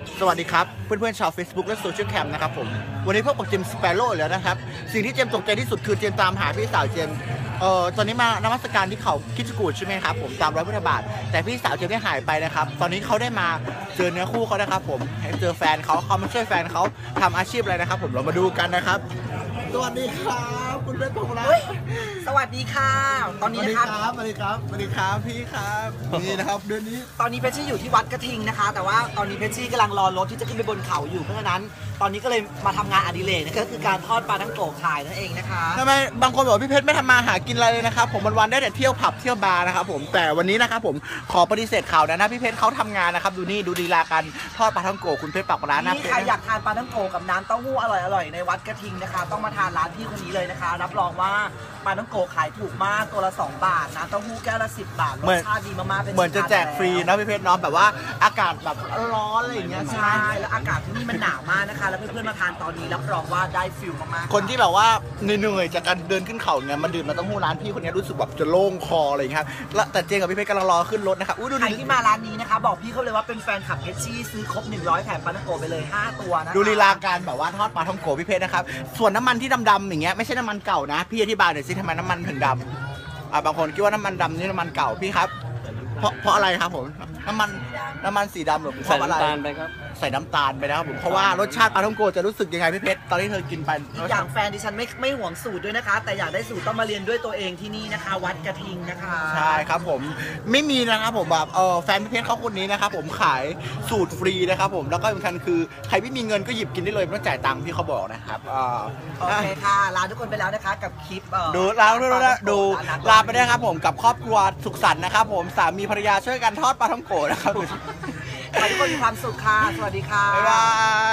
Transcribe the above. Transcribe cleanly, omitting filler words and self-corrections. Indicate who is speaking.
Speaker 1: สวัสดีครับเพื่อนๆชาว Facebook และโซเชียลแคมนะครับผมวันนี้พบกับเจมส์สเปโร่แล้วนะครับสิ่งที่เจมส์ตกใจที่สุดคือเจมส์ตามหาพี่สาวเจมส์ตอนนี้มานมัสการที่เขาคิดจกูดใช่ไหมครับผมตาม100 พุทธบาทแต่พี่สาวเจมส์ได้หายไปนะครับตอนนี้เขาได้มาเจอเนื้อคู่เขานะครับผมให้เจอแฟนเขามาช่วยแฟนเขาทำอาชีพอะไรนะครับผมเรามาดูกันนะครับสวัสดีครับคุณเพชรพงษ์รัตน์
Speaker 2: สวัสดีค่ะตอนนี้นะครับ
Speaker 1: สวัสดีครับพี่ครับนี่นะครับเดือนนี้
Speaker 2: ตอนนี้เพชรชี่อยู่ที่วัดกระทิงนะคะแต่ว่าตอนนี้เพชรชี่กำลังรอรถที่จะขึ้นไปบนเขาอยู่เพราะฉะนั้นตอนนี้ก็เลยมาทำงานอดิเรกก็คือการทอดปลาทั้งโกะขายนั่นเองนะคะ
Speaker 1: ทำไมบางคนบอกพี่เพชรไม่ทำมาหากินอะไรเลยนะครับผมวันๆได้แต่เที่ยวผับเที่ยวบาร์นะครับผมแต่วันนี้นะครับผมขอปฏิเสธข่าวนะพี่เพชรเขาทำงานนะครับดูนี่ดูลีลาการทอดปลาทั้งโกะคุณเพชรปักร้านนะ
Speaker 2: นี่ใครอยากทานปลาทั้งโกะกับน้ำเต้าหู้อร่อยๆในวัดกระทิงนะคะต้องมาทานร้านพี่คนนี้เลยนะคะรับรองว่าปลาทั้งโกะขายถูกมากตัวละ2 บาทน้ำเต้าหู้แก้วละ10 บาทรสชาติดีมากๆ
Speaker 1: เหมือนจะแจกฟรีนะพี่เพชรน้องแบบว่าอากาศแบบร้อนอะไรอย่างเงี้ย
Speaker 2: ใช่แล้วอากาศที่นี่มันหนาวมากนะคะแล้วเพื่อนๆมาทานตอนนี้รับรองว่าได้ฟิลมาก
Speaker 1: ๆคนที่แบบว่าเหนื่อยจากการเดินขึ้นเขาเงี้ยมาดื่มน้ำเต้าหู้ร้านพี่คนนี้รู้สึกแบบจะโล่งคออะไรอย่างเงี้ยครับแต่เจงกับพี่เพชรกำลังรอขึ้นรถนะครับ
Speaker 2: ใครที่มาร้านนี้นะคะบอกพี่เขาเลยว่าเป็นแฟนคลับเพชรชี่ซื้อครบ100แถมปลาท่องโกไปเลย5 ตัวนะคะ
Speaker 1: ดูลีลาการแบบว่าทอดปลาท่องโกพี่เพชรนะครับส่วนน้ำมันที่ดำๆอย่างเงี้ยไม่ใช่น้ำมันเก่านะพี่อธิบายหน่อยสิทำไมน้ำมันถึงดำบางคนคิดว่าน้ำมันดำนี่น้ำมันเก่าพี่ครับเพราะอะไรครับผมน้ำมันสีดำหรือเพราะอะไรใส่น้ำตาลไปนะครับผมเพราะว่ารสชาติปลาท่องโกจะรู้สึกยังไงพี่เพชรตอนที่เธอกินไป
Speaker 2: อย่างแฟนดิฉันไม่ห่วงสูตรด้วยนะคะแต่อยากได้สูตรต้องมาเรียนด้วยตัวเองที่นี่นะคะวัดกระทิงนะคะ
Speaker 1: ใช่ครับผมไม่มีนะครับผมแบบแฟนพี่เพชรเขาคนนี้นะครับผมขายสูตรฟรีนะครับผมแล้วก็สำคัญคือใครไม่มีเงินก็หยิบกินได้เลยไม่ต้องจ่ายตังค์พี่เขาบอกนะครับ
Speaker 2: โอเคค่ะลาทุกคนไปแล้วนะคะกับคลิป
Speaker 1: ดูลาไปได้ครับผมกับครอบครัวสุขสันต์นะครับผมสามีภรรยาช่วยกันทอดปลาท่องโกนะครับ
Speaker 2: ขอให้ทุกคนมีความสุขค่ะสวัสดีค่ะ
Speaker 1: บ๊ายบาย